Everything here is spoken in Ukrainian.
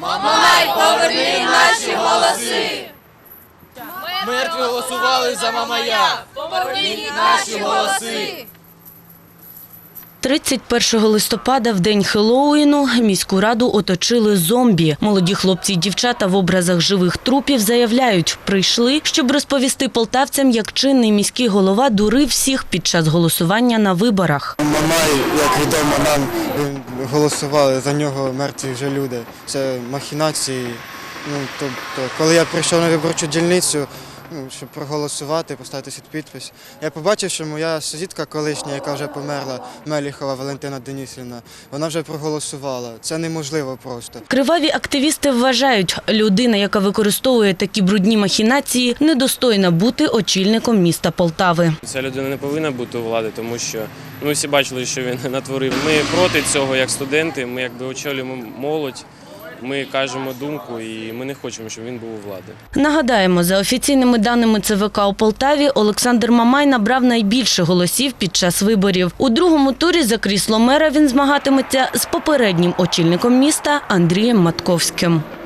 Мамай, поверни наші голоси! Мертві голосували за Мамая! Поверніть наші голоси! 31 листопада, в день Хеллоуіну, міську раду оточили зомбі. Молоді хлопці і дівчата в образах живих трупів заявляють, прийшли, щоб розповісти полтавцям, як чинний міський голова дурив всіх під час голосування на виборах. Мамай, як відомо нам, голосували за нього мертві вже люди. Це махінації. Тобто, коли я прийшов на виборчу дільницю, щоб проголосувати, поставити свій підпис, я побачив, що моя сусідка колишня, яка вже померла, Меліхова Валентина Денисівна, вона вже проголосувала. Це неможливо просто. Криваві активісти вважають, людина, яка використовує такі брудні махінації, недостойна бути очільником міста Полтави. Ця людина не повинна бути у владі, тому що ми всі бачили, що він натворив. Ми проти цього як студенти, ми якби очолюємо молодь. Ми кажемо думку і ми не хочемо, щоб він був у владі. Нагадаємо, за офіційними даними ЦВК у Полтаві, Олександр Мамай набрав найбільше голосів під час виборів. У другому турі за крісло мера він змагатиметься з попереднім очільником міста Андрієм Матковським.